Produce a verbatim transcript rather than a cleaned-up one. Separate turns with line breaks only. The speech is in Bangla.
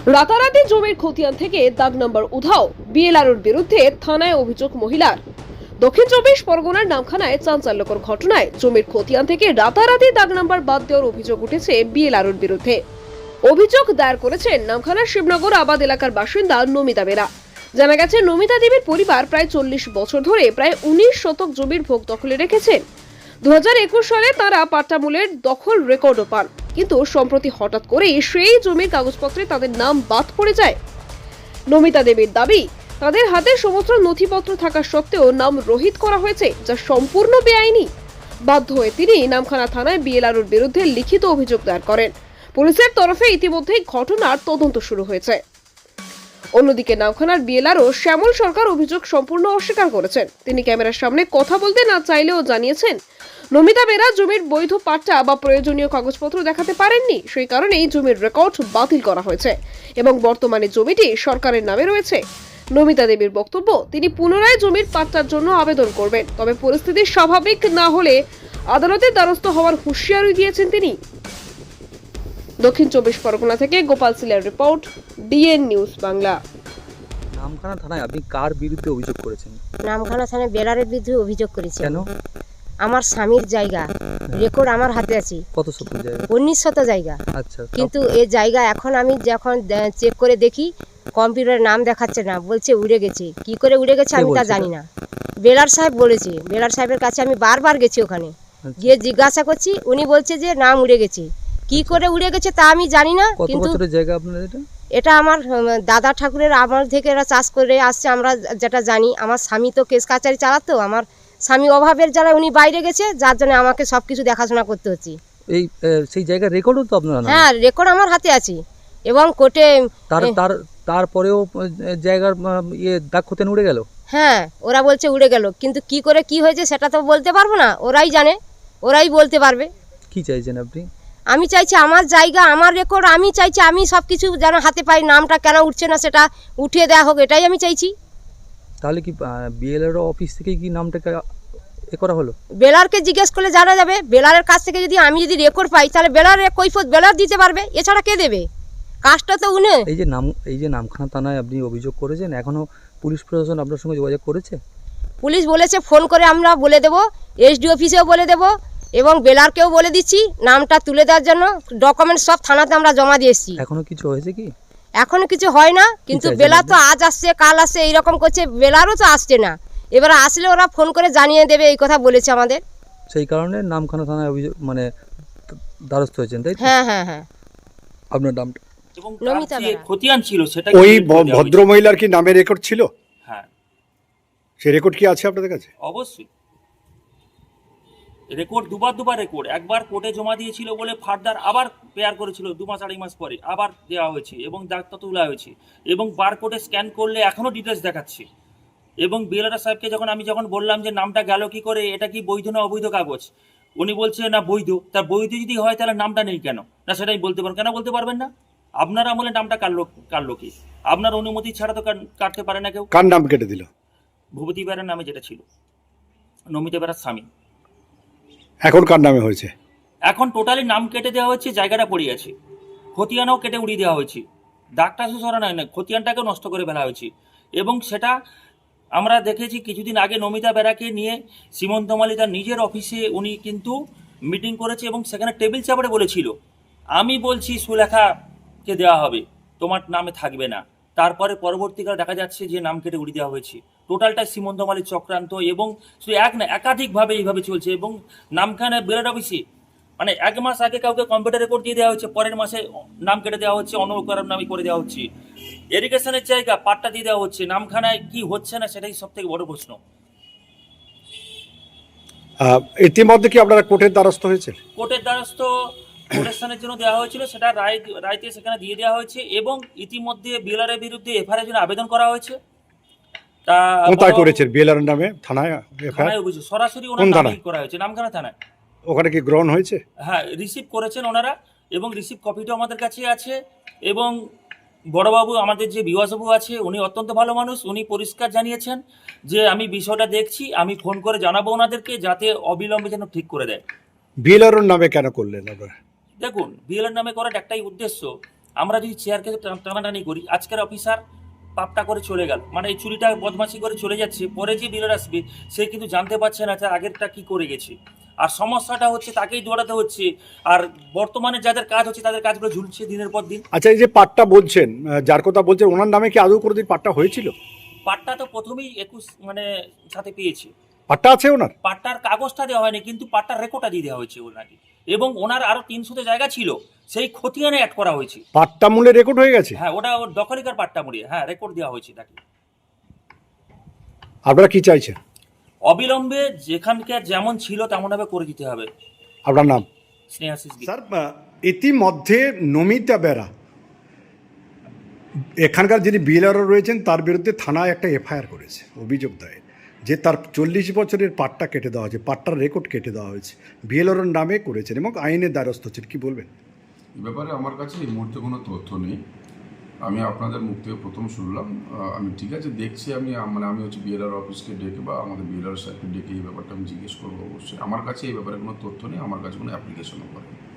রাতারাতি জমির খতিয়ান থেকে দাগ নম্বর উধাও, বিএলআরওর বিরুদ্ধে থানায় অভিযোগ মহিলার। দক্ষিণ চব্বিশ পরগনার নামখানায় চাঞ্চল্যকর ঘটনায় জমির খতিয়ান থেকে রাতারাতি দাগ নম্বর বাদ দেওয়ার অভিযোগ উঠেছে বিএলআরওর বিরুদ্ধে। অভিযোগ দায়ের করেছেন নামখানার শিবনগর আবাদ এলাকার বাসিন্দা নমিতা বেরা। জানা গেছে, নমিতা দেবীর পরিবার প্রায় চল্লিশ বছর ধরে প্রায় উনিশ শতক জমির ভোগ দখলে রেখেছেন। দু হাজার একুশ সালে তারা পাট্টামূলের দখল রেকর্ডও পান, কিন্তু সম্প্রতি হঠাৎ করেই সেই জমির কাগজপত্রে তাদের নাম বাদ পড়ে যায়। নমিতা দেবীর দাবি, তাদের হাতে সমস্ত নথিপত্র থাকা সত্ত্বেও নাম রহিত করা হয়েছে, যা সম্পূর্ণ বেআইনি। বাধ্য হয়ে তিনি নামখানা থানায় বিএলআরওর বিরুদ্ধে লিখিত অভিযোগ দায়ের করেন। পুলিশের তরফে ইতিমধ্যেই ঘটনার তদন্ত শুরু হয়েছে। অন্যদিকে নামখানার বিএলআরও শ্যামল সরকার অভিযোগ সম্পূর্ণ অস্বীকার করেছেন। তিনি ক্যামেরার সামনে কথা বলতে না চাইলেও জানিয়েছেন, নমিতা বেরা জমির বৈধ পাট্টা বা প্রয়োজনীয় কাগজপত্র দেখাতে পারেননি, সেই কারণেই জমির রেকর্ড বাতিল করা হয়েছে এবং বর্তমানে জমিটি সরকারের নামে রয়েছে। নমিতা দেবীর বক্তব্য, তিনি পুনরায় জমির পাট্টার জন্য আবেদন করবেন, তবে পরিস্থিতি স্বাভাবিক না হলে আদালতের দ্বারস্থ হওয়ার হুঁশিয়ারি দিয়েছেন তিনি। দক্ষিণ চব্বিশ পরগনা থেকে গোপাল সিলের report, DN news Bangla.
Namkhana থানায় আপনি কার বিরুদ্ধে অভিযোগ করেছেন?
নামখানা থানায় বেলারের বিরুদ্ধে অভিযোগ করেছি।
কেন?
আমার স্বামীর জায়গা রেকর্ড আমার হাতে আছে।
কত শত জায়গা?
উনিশ শত জায়গা।
আচ্ছা,
কিন্তু এই জায়গা এখন আমি যখন চেক করে দেখি কম্পিউটারে নাম দেখাচ্ছে না, বলছে উড়ে গেছে। কি করে উড়ে গেছে আমি তা জানি না। বেলার সাহেব বলেছে, বেলার সাহেবের কাছে আমি বারবার গেছি, ওখানে গিয়ে জিজ্ঞাসা করছি, উনি বলছে যে নাম উড়ে গেছে। কি করে উড়ে গেছে তা আমি জানি না।
কিন্তু জায়গা আপনার এটা
এটা আমার দাদা ঠাকুরের আমল থেকে এরা চাষ করে আসছে, আমরা যেটা জানি। আমার স্বামী তো কেস কাচারি চালাতো, আমার স্বামী অভাবের জ্বালায় উনি বাইরে গেছে, যার জন্য আমাকে সবকিছু দেখাশোনা করতে হচ্ছে।
এই সেই জায়গার রেকর্ডও তো আপনার?
হ্যাঁ, রেকর্ড আমার হাতে আছে এবং কোর্টে।
তার তার তারপরেও জায়গার ইয়ে দাগ খতিয়ান উড়ে গেল?
হ্যাঁ, ওরা বলছে উড়ে গেল, কিন্তু কি করে কি হয়েছে সেটা তো বলতে পারবো না, ওরাই জানে, ওরাই বলতে পারবে।
কি চাইছেন আপনি?
আমি চাইছি আমার জায়গা, আমার রেকর্ড, আমি চাইছি আমি সব কিছু যেন হাতে পাই। নামটা কেন উঠছে না সেটা উঠিয়ে দেওয়া হোক, এটাই আমি চাইছি।
তাহলে কি বিএলআরও অফিস থেকে কি নামটাকে এ করা হলো?
বেলারকে জিজ্ঞেস করলে জানা যাবে। বেলারের কাছ থেকে যদি আমি যদি রেকর্ড পাই, তাহলে বেলারের কৈফিয়ত বেলার দিতে পারবে, এছাড়া কে দেবে? কাজটা তো উনি।
এই যে নাম এই যে নামখানা থানায় আপনি অভিযোগ করেছেন, এখনো পুলিশ প্রশাসন আপনার সঙ্গে যোগাযোগ করেছে?
পুলিশ বলেছে ফোন করে আমরা বলে দেবো, এসডি অফিসেও বলে দেবো এবং বেলারকেও বলে দিচ্ছি নামটা তুলে দেওয়ার জন্য। ডকুমেন্ট সব থানাতে আমরা জমা দিয়ে এসেছি।
এখনো কিছু হয়েছে কি?
এখনো কিছু হয় না, কিন্তু বেলার তো আজ আসছে কাল আসছে এইরকম করছে, বেলারও তো আসছে না। এবার আসলে ওরা ফোন করে জানিয়ে দেবে, এই কথা বলেছে আমাদের।
সেই কারণে নামখানা থানায় অভিযোগ মানে দ্বারস্থ হয়েছেন, তাই?
হ্যাঁ হ্যাঁ হ্যাঁ।
আপনার নামটা?
এবং তার যে খতিয়ান ছিল সেটা
ওই ভদ্র মহিলার কি নামে রেকর্ড ছিল?
হ্যাঁ।
সেই রেকর্ড কি আছে আপনাদের কাছে?
অবশ্যই রেকর্ড, দুবার দুবার রেকর্ড। একবার কোর্টে জমা দিয়েছিল বলে ফার্দার আবার পেয়ার করেছিল, দু মাস আড়াই মাস পরে আবার দেওয়া হয়েছে এবং ডাক্তার তোলা হয়েছে এবং বার কোডে স্ক্যান করলে এখনও ডিটেলস দেখাচ্ছে। এবং বিএলআর সাহেবকে যখন আমি যখন বললাম যে নামটা গেল কি করে, এটা কি বৈধ না অবৈধ কাগজ, উনি বলছে না বৈধ। তার বৈধ যদি হয় তাহলে নামটা নেই কেন? না সেটাই বলতে পারেন। কেন বলতে পারবেন না? আপনার আমলে নামটা কাটলো কাটলো কি? আপনার অনুমতি ছাড়া তো কাটতে পারে না কেউ।
কার নাম কেটে দিল?
ভূপতি বেরার নামে যেটা ছিল, নমিতা বেরার স্বামী।
এখন কার নামে হয়েছে?
এখন টোটালি নাম কেটে দেওয়া হয়েছে, জায়গাটা পড়ে আছে, খতিয়ানও কেটে উড়িয়ে দেওয়া হয়েছে। দাগটা শুধু সরা নয় না, খতিয়ানটাকেও নষ্ট করে ফেলা হয়েছে। এবং সেটা আমরা দেখেছি কিছুদিন আগে নমিতা বেরাকে নিয়ে সীমন্ত মালি তার নিজের অফিসে উনি কিন্তু মিটিং করেছে এবং সেখানে টেবিল চাপড়ে বলেছিল, আমি বলছি সুলেখাকে দেওয়া হবে, তোমার নামে থাকবে না। তারপরে পরবর্তীকালে দেখা যাচ্ছে যে নাম কেটে উড়িয়ে দেওয়া হয়েছে। টোটালটা সীমন্ত মালির চক্রান্ত এবং শুধু এক না একাধিকভাবে এইভাবে চলছে। এবং নামখানা বেলার অফিসে মানে এক মাস আগে কাউকে কম্পিউটার রেকর্ড দিয়ে দেওয়া হচ্ছে, পরের মাসে নাম কেটে দেওয়া হচ্ছে, অন্য কারোর নামে করে দেওয়া হচ্ছে। ইরিগেশনের জায়গা পাট্টা দিয়ে দেওয়া হচ্ছে। নামখানায় কি হচ্ছে না সেটাই সব থেকে বড় প্রশ্ন।
ইতিমধ্যে কি আপনারা কোর্টের দ্বারস্থ হয়েছে?
কোর্টের দ্বারস্থ প্রোটেকশনের জন্য দেওয়া হয়েছিল, সেটা রায় রায়তে সেখানে দিয়ে দেওয়া হয়েছে এবং ইতিমধ্যে বিএলআর বিরুদ্ধে এফআইআর জন্য আবেদন করা হয়েছে। তা
কোথায় করেছেন? বিএলআর নামে থানায়
থানায় অভিযোগ সরাসরি ওনার নামেই করা হয়েছে, নামখানা থানায়।
ওখানে কি গ্রহণ হয়েছে?
হ্যাঁ, রিসিভ করেছেন ওনারা এবং রিসিভ কপিটাও আমাদের কাছে আছে। এবং বড়বাবু আমাদের যে বিওয়াসবাবু আছে উনি অত্যন্ত ভালো মানুষ, উনি পরিষ্কার জানিয়েছেন যে আমি বিষয়টা দেখছি, আমি ফোন করে জানাবো ওনাদেরকে যাতে অবিলম্বে যেন ঠিক করে দেয়।
বিএলআর নামে কেন করলেন আপনারা?
দেখুন, বিএলআর নামে করার একটাই উদ্দেশ্য, আমরা যদি চেয়ারকে টা- টানাটানি করি, আজকের অফিসার পাপটা করে চলে গেল, মানে এই চুরিটা বদমাশি করে চলে যাচ্ছে, পরে যে বিলের আসবে সে কিন্তু জানতে পারছে না যে আগেরটা কি করে গেছে। আর সমস্যাটা হচ্ছে তাকেই দৌড়াতে হচ্ছে, আর বর্তমানে যাদের কাজ হচ্ছে তাদের কাজগুলো ঝুলছে দিনের পর দিন।
আচ্ছা, এই যে পাট্টা বলছেন, আহ, যার কথা বলছেন, ওনার নামে কি আদৌ কোনোদিন পাট্টা হয়েছিল?
পাট্টা তো প্রথমেই একুশ মানে সাথে পেয়েছে,
পাট্টা আছে ওনার?
পাট্টার কাগজটা দেওয়া হয়নি কিন্তু পাট্টার রেকর্ডটা দিয়ে দেওয়া হয়েছে ওনাকে, এবং ওনার আরো তিনশোতে জায়গা ছিল সেই খতিয়ানে অ্যাড করা হয়েছে।
পাট্টা মূল্যে রেকর্ড হয়ে গেছে?
হ্যাঁ, ওটা ওর দখলিকার পাট্টা মুড়িয়ে হ্যাঁ রেকর্ড দেওয়া হয়েছে তাকে।
আপনারা কি চাইছেন?
অবিলম্বে যেখানকার যেমন ছিল তেমনভাবে করে দিতে হবে।
আপনার নাম?
স্নেহাশিস গীত।
স্যার, আহ, ইতিমধ্যে নমিতা বেরা, এখানকার যিনি বিএলআরও রয়েছেন, তার বিরুদ্ধে থানায় একটা এফআইআর করেছে, অভিযোগ দায়ের, যে তার চল্লিশ বছরের পাট্টা কেটে দেওয়া হয়েছে, পাট্টার রেকর্ড কেটে দেওয়া হয়েছে, বিএলআরওর নামে করেছেন এবং আইনের দ্বারস্থ হচ্ছেন। কি বলবেন?
এ ব্যাপারে আমার কাছে এই মুহূর্তে কোনো তথ্য নেই। আমি আপনাদের মুখ থেকে প্রথম শুনলাম। আহ, আমি ঠিক আছে দেখছি, আমি মানে আমি হচ্ছে বিএলআর অফিসকে ডেকে বা আমাদের বিএলআর সাহেবকে ডেকে এই ব্যাপারটা আমি জিজ্ঞেস করবো অবশ্যই। আমার কাছে এই ব্যাপারে কোনো তথ্য নেই, আমার কাছে কোনো অ্যাপ্লিকেশনও করে